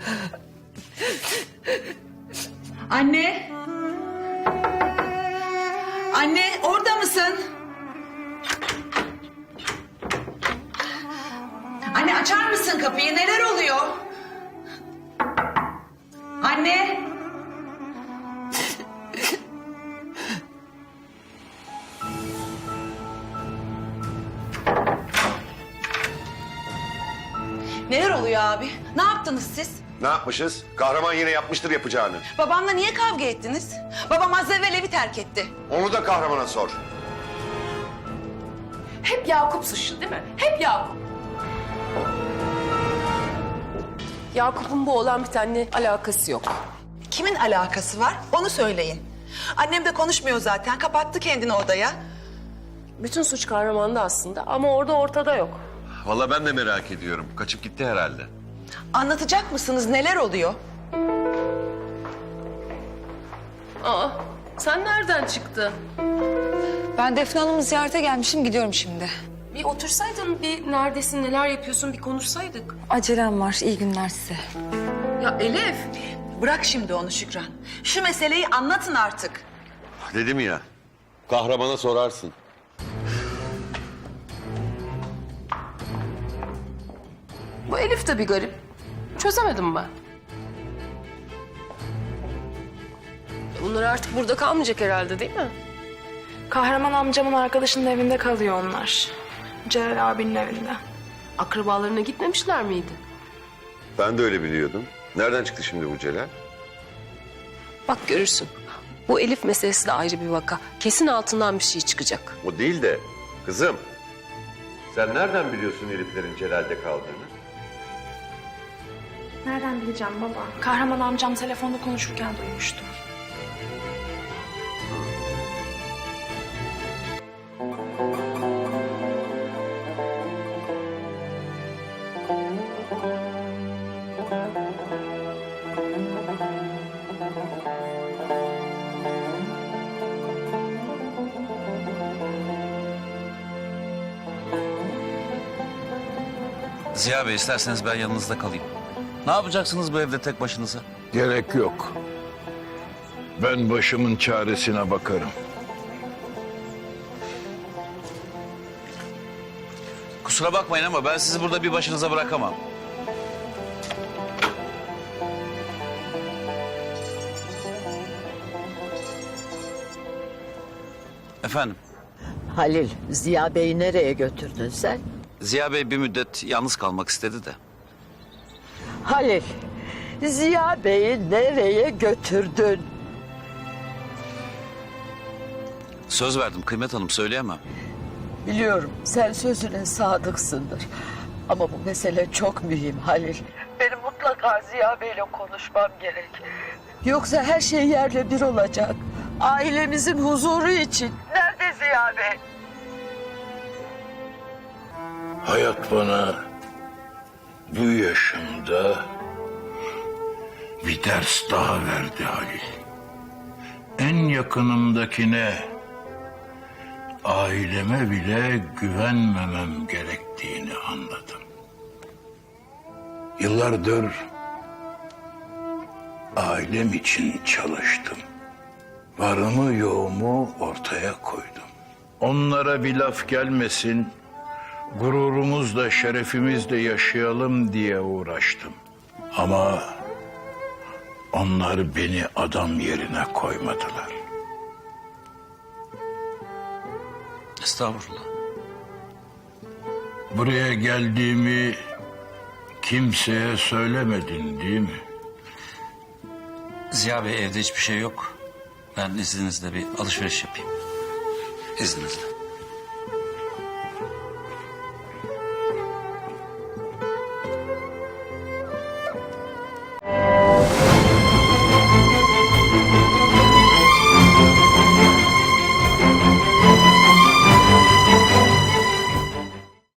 Anne. Anne, orada mısın? Anne, açar mısın kapıyı? Neler oluyor? Anne. Neler oluyor abi? Ne yaptınız siz? Ne yapmışız? Kahraman yine yapmıştır yapacağını. Babamla niye kavga ettiniz? Babam az evvel evi terk etti. Onu da kahramana sor. Hep Yakup suçlu değil mi? Hep Yakup. Yakup'un bu olan bitenle alakası yok. Kimin alakası var? Onu söyleyin. Annem de konuşmuyor zaten. Kapattı kendini odaya. Bütün suç kahramanda aslında ama orada ortada yok. Vallahi ben de merak ediyorum. Kaçıp gitti herhalde. Anlatacak mısınız? Neler oluyor? Aa, sen nereden çıktın? Ben Defne Hanım'ı ziyarete gelmişim, gidiyorum şimdi. Bir otursaydın, bir neredesin, neler yapıyorsun bir konuşsaydık. Acelem var, iyi günler size. Ya Elif. Bırak şimdi onu Şükran. Şu meseleyi anlatın artık. Dedim ya. Kahramana sorarsın. Bu Elif de bir garip. Çözemedim ben. Bunlar artık burada kalmayacak herhalde değil mi? Kahraman amcamın arkadaşının evinde kalıyor onlar. Celal abinin evinde. Akrabalarına gitmemişler miydi? Ben de öyle biliyordum. Nereden çıktı şimdi bu Celal? Bak görürsün. Bu Elif meselesi de ayrı bir vaka. Kesin altından bir şey çıkacak. O değil de kızım. Sen nereden biliyorsun Elif'lerin Celal'de kaldığını? Nereden bileceğim baba? Kahraman amcam telefonda konuşurken duymuştum. Ziya Bey, isterseniz ben yanınızda kalayım. Ne yapacaksınız bu evde tek başınıza? Gerek yok. Ben başımın çaresine bakarım. Kusura bakmayın ama ben sizi burada bir başınıza bırakamam. Efendim, Halil, Ziya Bey'i nereye götürdün sen? Ziya Bey bir müddet yalnız kalmak istedi de. Halil, Ziya Bey'i nereye götürdün? Söz verdim Kıymet Hanım, söyleyemem. Biliyorum sen sözüne sadıksındır. Ama bu mesele çok mühim Halil. Benim mutlaka Ziya Bey'le konuşmam gerek. Yoksa her şey yerle bir olacak. Ailemizin huzuru için. Nerede Ziya Bey? Hayat bana bu yaşımda bir ders daha verdi Halil. En yakınımdakine, aileme bile güvenmemem gerektiğini anladım. Yıllardır ailem için çalıştım. Varımı yoğumu ortaya koydum. Onlara bir laf gelmesin, gururumuzla, şerefimizle yaşayalım diye uğraştım. Ama onlar beni adam yerine koymadılar. Estağfurullah. Buraya geldiğimi kimseye söylemedin değil mi? Ziya Bey evde hiçbir şey yok. Ben izninizle bir alışveriş yapayım. İzninizle.